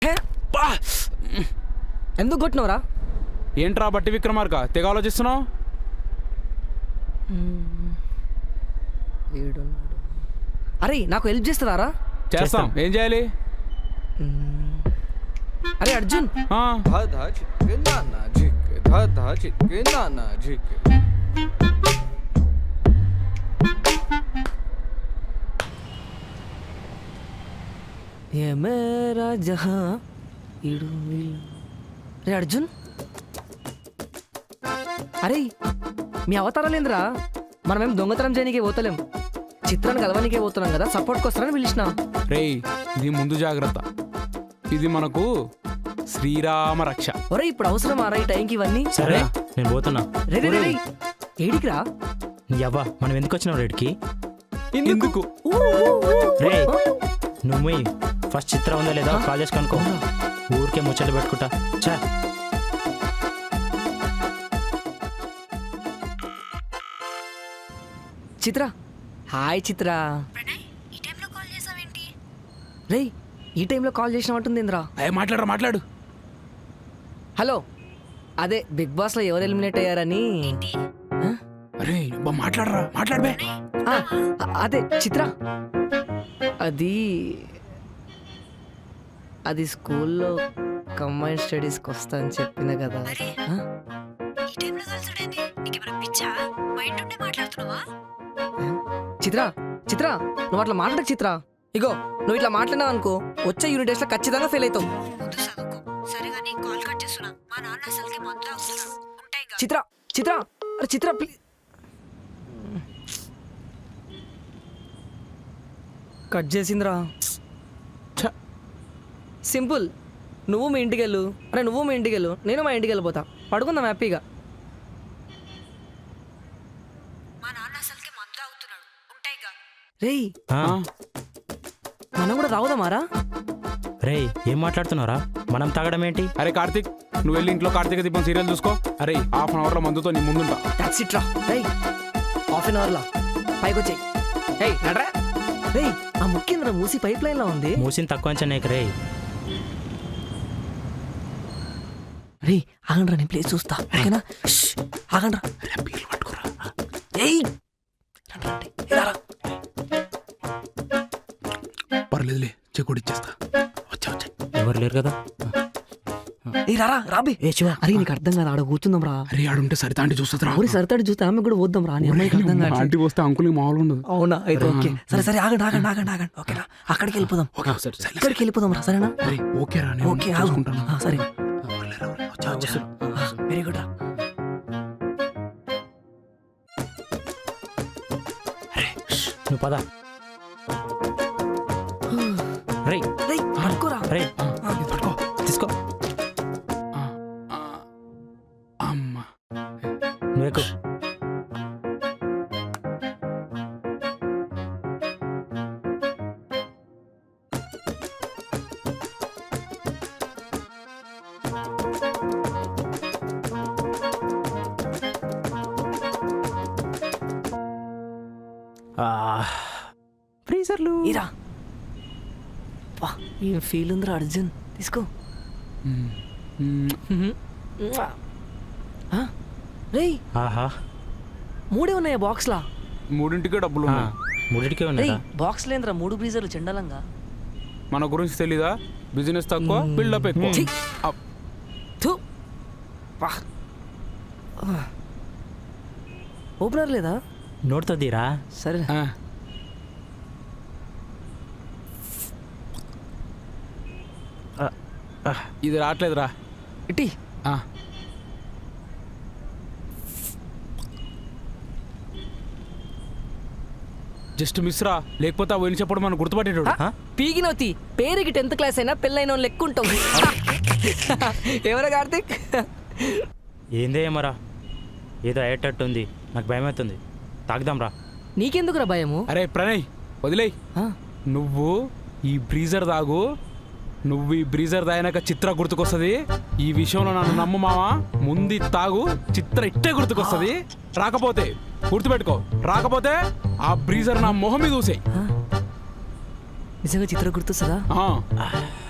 ఎందుకు కొట్టినవరా? ఏంట్రా బట్టి విక్రమార్క తెగ ఆలోచిస్తున్నావు? అరే నాకు హెల్ప్ చేస్తారా? చేస్తాం. ఏం చేయాలి? అరే అర్జున్, ఏ మేరా జహా ఇడు. అరే అర్జున్, అరే మీ అవతారాలేంద్రా? మనమేం దొంగతనం చేయనికే పోతలేం, చిత్రాన్ని కలవనికే పోతున్నాం కదా, సపోర్ట్కి వస్తారని పిలిచిన. రేయ్ ఇది ముందు జాగ్రత్త, ఇది మనకు శ్రీరామ రక్ష. ఒరే ఇప్పుడు అవసరమా రా ఈ టైంకి ఇవన్నీ? సరే నేను పోతున్నా. రే రే రే, ఏడికి రా? యవ్వా మనం ఎందుకు వచ్చినావు రేడికి? ఎందుకు? రే నువ్వు ఫస్ట్ చిత్రం ఉందా లేదా కాలేజ్ కనుకో, ఊరికే ముచ్చట్లు పెట్టుకుంటా. చా చిత్ర, హాయ్ చిత్ర. రేయ్ ఈ టైంలో కాల్ చేసినట్టుంది ఇంద్రా. మాట్లాడు. హలో, అదే బిగ్ బాస్ లో ఎవరు ఎలిమినేట్ అయ్యారని. అరే మాట్లాడబే. అదే చిత్ర, అది స్కూల్లో కంబైన్ స్టడీస్కి వస్తా అని చెప్పిన కదా. చిత్ర నువ్వు అట్లా మాట్లాడకు చిత్ర. ఇగో నువ్వు ఇట్లా మాట్లాడినావు అనుకో, వచ్చే యూనిట్ టెస్ట్ లో ఖచ్చితంగా ఫెయిల్ అవుతావు. చిత్ర చిత్ర అరే చిత్ర ప్లీజ్. కట్ చేసిందిరా. సింపుల్, నువ్వు మీ ఇంటికి వెళ్ళు. అరే నువ్వు మీ ఇంటికి వెళ్ళు, నేను మా ఇంటికి వెళ్ళిపోతా. పడుకుందాం హ్యాపీగా. రేయ్ మనం కూడా తాగుదామారా? రే ఏం మాట్లాడుతున్నారా? మనం తాగడం ఏంటి? అరే కార్తీక్, నువ్వు వెళ్ళి ఇంట్లో కార్తీక దీపం సీరియల్ చూసుకో. అరే హాఫ్ అన్ అవర్ లో మందుతో నీ ముందుంటా. టాక్సీ ట్రా. రేయ్ హాఫ్ అన్ అవర్ లా పైకి వచ్చాయి. రేయ్ నడరా. రేయ్ ఆ ముఖ్యంద్ర మూసి పైప్ లైన్ లో ఉంది. మూసిన తక్కువ అంచనేక రే. రే ఆగండ్రా, నేను ప్లేస్ చూస్తా. ఓకేనా? ఆగండ్రా. ఏయ్ పర్లేదులే, చెక్కుడు ఇచ్చేస్తా. వచ్చా ఎవరు లేరు కదా. ఏ రారా రాబే. ఏ శివ, అరే నీకు అర్థం కాదు, ఆడ కూర్చుందాం రా. అరే ఆడుంటే సరిత ఆంటీ చూస్తా. ఊరి సరితాడు చూస్తే ఆమె కూడా పోద్దాం రా. ఆంటీ వస్తే అంకుల్కి మామూలు ఉండదు. అవునా? అయితే ఓకే. సరే ఆగండి. ఓకేనా? అక్కడికి వెళ్ళిపోదాం. ఇక్కడికి వెళ్ళిపోదాం రా. సరేనా? ఓకే రా, ఓకే ఆగుకుంటాను. సరే వెరీ గుడ్ రా. నువ్వు పద. రే పడుకోరా. రే తీసుకో. అమ్మా నువ్వు ఎక్కువ. ఫ్రీజర్లు ఇరా. ఏం ఫీల్ ఉందిరా అర్జున్, తీసుకో. రేయ్ ఆహా, 3 ఉన్నాయా బాక్స్ లా? 3ంటికే డబ్బులు ఉన్నాయి. 3కే ఉన్నాయి. బాక్స్ లేదురా, 3 బ్రీజర్లు చెండాలంగా. మన గురించి తెలీదా? బిజినెస్ తక్కువ, బిల్డప్ ఎక్కువ. ఓపెనర్ లేదా? నోట్తో తీరా. సరే ఇది రావట్లేదురా. ఇటీ జస్ట్ మిస్ రా, లేకపోతే ఆ పోయిన చెప్పడం మనం గుర్తుపట్టేటోడు. పీగినవుతి పేరుకి 10th క్లాస్ అయినా పెళ్ళైన లెక్క ఉంటావు. ఎవరా కార్తీక్? ఏందే మరా, ఏదో అయ్యేటట్టు ఉంది, నాకు భయం అవుతుంది. తాగుదాం రా. నీకెందుకురా భయము? అరే ప్రణయ్ వదిలేయ్. నువ్వు ఈ బ్రీజర్ తాగు. నువ్వు ఈ బ్రీజర్ తాగినాక చిత్ర గుర్తుకొస్తుంది. ఈ విషయంలో నన్ను నమ్ము మావా. ముందు తాగు, చిత్ర ఇట్టే గుర్తుకొస్తుంది. రాకపోతే గుర్తుపెట్టుకో, రాకపోతే ఆ బ్రీజర్ నా మొహం మీద చూసే. నిజంగా చిత్ర గుర్తొస్తుందా?